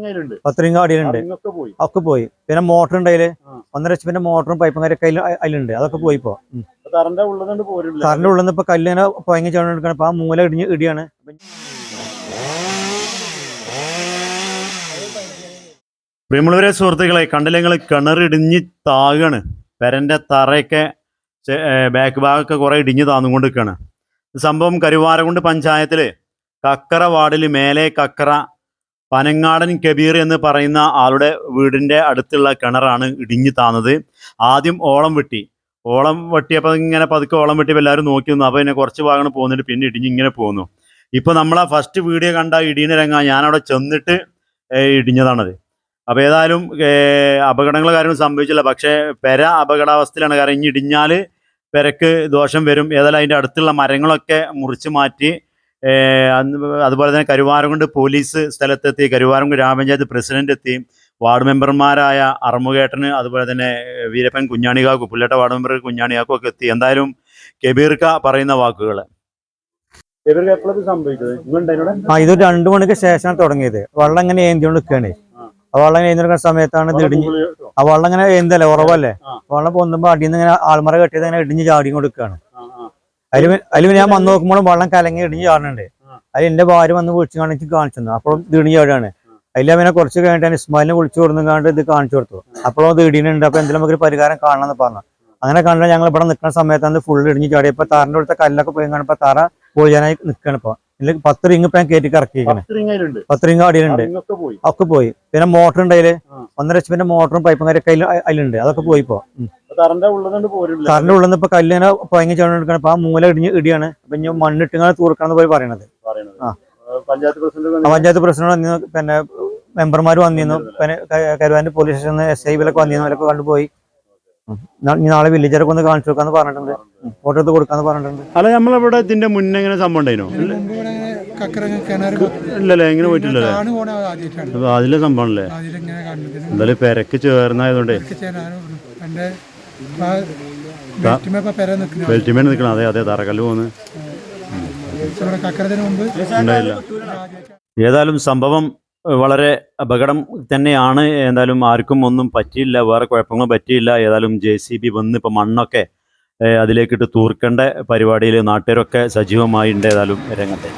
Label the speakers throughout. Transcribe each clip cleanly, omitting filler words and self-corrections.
Speaker 1: 10 ring അടിയിലുണ്ട്. ഒക്കെ പോയി. പിന്നെ മോട്ടർ ഉണ്ട് അതില് 1.5 HP മോട്ടറും പൈപ്പും കാര്യമൊക്കെ അതിലുണ്ട്. അതൊക്കെ പോയി. ഇപ്പൊ തറിന്റെ ഉള്ളിൽ നിന്ന് ഇപ്പൊ കല്ലിങ്ങനെ പൊയങ്ങി ചേർന്നെടുക്കണം. അപ്പൊ ആ മൂല ഇടിയാണ്.
Speaker 2: പ്രിയമുള്ളവരെ, സുഹൃത്തുക്കളെ, കണ്ടില്ലെങ്കിൽ കിണറിടിഞ്ഞ് താകാണ്. പെരന്റെ തറയൊക്കെ ബാക്ക് ഭാഗമൊക്കെ കുറെ ഇടിഞ്ഞ് താന്നുകൊണ്ട് നിൽക്കുകയാണ്. സംഭവം കരുവാരകുണ്ട് പഞ്ചായത്തില് കക്കറ വാർഡിൽ മേലെ കക്കറ പനങ്ങാടൻ കബീർ എന്ന് പറയുന്ന ആളുടെ വീടിന്റെ അടുത്തുള്ള കിണറാണ് ഇടിഞ്ഞു താന്നത്. ആദ്യം ഓളം വെട്ടിയപ്പോൾ ഇങ്ങനെ പതുക്കെ ഓളം വെട്ടിയപ്പോൾ എല്ലാവരും നോക്കി നിന്നു. അപ്പോൾ പിന്നെ കുറച്ച് ഭാഗങ്ങൾ പോകുന്നിട്ട് പിന്നെ ഇടിഞ്ഞ് ഇങ്ങനെ പോകുന്നു. ഇപ്പോൾ നമ്മളാ ഫസ്റ്റ് വീഡിയോ കണ്ട ഇടിയുന്ന രംഗം ഞാനവിടെ ചെന്നിട്ട് ഇടിഞ്ഞതാണത്. അപ്പോൾ ഏതായാലും അപകടങ്ങൾ കാര്യങ്ങളും സംഭവിച്ചില്ല. പക്ഷേ പെര അപകടാവസ്ഥയിലാണ്. കാരണം ഇനി ഇടിഞ്ഞാൽ പെരക്ക് ദോഷം വരും. ഏതായാലും അതിൻ്റെ അടുത്തുള്ള മരങ്ങളൊക്കെ മുറിച്ച് മാറ്റി. അതുപോലെ തന്നെ കരുവാരകുണ്ട് പോലീസ് സ്ഥലത്തെത്തി, കരുവാരകുണ്ട് ഗ്രാമപഞ്ചായത്ത് പ്രസിഡന്റ് എത്തി, വാർഡ് മെമ്പർമാരായ അറമുകേട്ടന്, അതുപോലെ തന്നെ വീരപ്പൻ കുഞ്ഞാണികാക്കും, പുല്ലട്ട വാർഡ് മെമ്പർ കുഞ്ഞാണികാക്കും ഒക്കെ എത്തി. എന്തായാലും കബീർക്ക പറയുന്ന വാക്കുകൾ.
Speaker 1: ഇത് 2 മണിക്ക് ശേഷമാണ് തുടങ്ങിയത്. വെള്ളം ഇങ്ങനെ ഏന്തിയോണ്ട് നിൽക്കുകയാണ്. ആ വെള്ളം ഏന്തിയെടുക്കുന്ന സമയത്താണ് ഇത് ഇടിഞ്ഞ്. ആ വെള്ളം ഇങ്ങനെ ഏന്തല്ലേ, ഉറവല്ലേ, വെള്ളം പൊന്നുമ്പോ അടിയിൽ നിന്ന് ഇങ്ങനെ ആൾമറ കെട്ടിയത് ഇങ്ങനെ ഇടിഞ്ഞ് ചാടി കൊടുക്കുകയാണ്. അതിൽ ഞാൻ വന്ന് നോക്കുമ്പോഴും വെള്ളം കലങ്ങി ഇടിഞ്ഞ് ചാടുന്നുണ്ട്. അതിൽ എന്റെ ഭാര്യ വന്ന് വിളിച്ചു കാണിച്ചു. അപ്പോഴും ഇത് ഇടിഞ്ഞ് ചാടുകയാണ്. അതിൽ അവനെ കുറച്ച് കഴിഞ്ഞിട്ട് ഇസ്മായിലിനെ വിളിച്ചു കൊടുക്കാണ്ട് ഇത് കാണിച്ചു കൊടുത്തു. അപ്പോഴും ഇത് ഇടിയുന്നുണ്ട്. അപ്പൊ എന്തെങ്കിലും നമുക്ക് ഒരു പരിഹാരം കാണണമെന്ന് പറഞ്ഞു. അങ്ങനെ കണ്ടാൽ ഞങ്ങൾ ഇവിടെ നിൽക്കുന്ന സമയത്താണ് ഫുള്ള് ഇടിഞ്ഞ് ചാടി. ഇപ്പൊ താറിന്റെ അടുത്ത കല്ലൊക്കെ പോയി കാണുമ്പോ തറ പൊളിയാനായി നിൽക്കുകയാണ്. ഇപ്പൊ 10 റിങ് ഇപ്പൊ ഞാൻ കയറ്റി ഇറക്കിയിരിക്കണേ. 10 റിങ് അടിയിലുണ്ട്. ഒക്കെ പോയി. പിന്നെ മോട്ടർ ഉണ്ട് അതില് 1.5 HP മോട്ടറും പൈപ്പും കാര്യമൊക്കെ അതിലുണ്ട്. അതൊക്കെ പോയി. ഇപ്പൊ തറിന്റെ ഉള്ളിൽ നിന്ന് ഇപ്പൊ കല്ലിങ്ങനെ പൊയങ്ങി ചേർന്നെടുക്കണം. അപ്പൊ ആ മൂല ഇടിയാണ്. അപ്പൊ ഇനി മണ്ണിട്ടിങ്ങനെ തൂർക്കാന്ന് പോയി പറയണത്. പഞ്ചായത്ത് പ്രസിഡന്റ് വന്നിരുന്നു. പിന്നെ മെമ്പർമാർ വന്നിരുന്നു. പിന്നെ കരുവാരകുണ്ട് പോലീസ് സ്റ്റേഷനിൽ SI ഇവരൊക്കെ വന്നിരുന്നു. അവരൊക്കെ കണ്ടുപോയി. നാളെ വില്ലേജറൊക്കെ ഒന്ന് കാണിച്ചു കൊടുക്കാന്ന് പറഞ്ഞിട്ടുണ്ട്. ഫോട്ടോ എടുത്ത് കൊടുക്കാന്ന് പറഞ്ഞിട്ടുണ്ട്.
Speaker 2: അല്ല, നമ്മളിവിടെ ഇതിന്റെ മുന്നേ എങ്ങനെ സംഭവം ഉണ്ടായിരുന്നോ? ഇല്ലല്ലേ, എങ്ങനെ പോയിട്ടില്ലല്ലേ? അതിലെ സംഭവമല്ലേ? എന്തായാലും പെരക്ക് ചേർന്നായതുകൊണ്ടേ ബെൽറ്റിമേൻ നിൽക്കണം. അതെ, തറക്കല്ല് പോകുന്നു ഉണ്ടായില്ല. ഏതായാലും സംഭവം വളരെ അപകടം തന്നെയാണ്. എന്തായാലും ആർക്കും ഒന്നും പറ്റിയില്ല, വേറെ കുഴപ്പങ്ങളും പറ്റിയില്ല. ഏതായാലും JCB വന്ന് ഇപ്പം മണ്ണൊക്കെ അതിലേക്കിട്ട് തൂർക്കേണ്ട പരിപാടിയിൽ നാട്ടുകാരൊക്കെ സജീവമായി ഉണ്ട്. ഏതായാലും രംഗത്തെ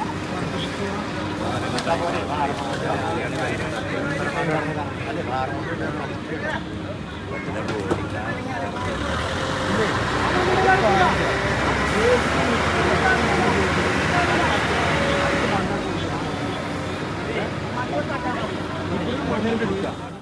Speaker 3: Gracias.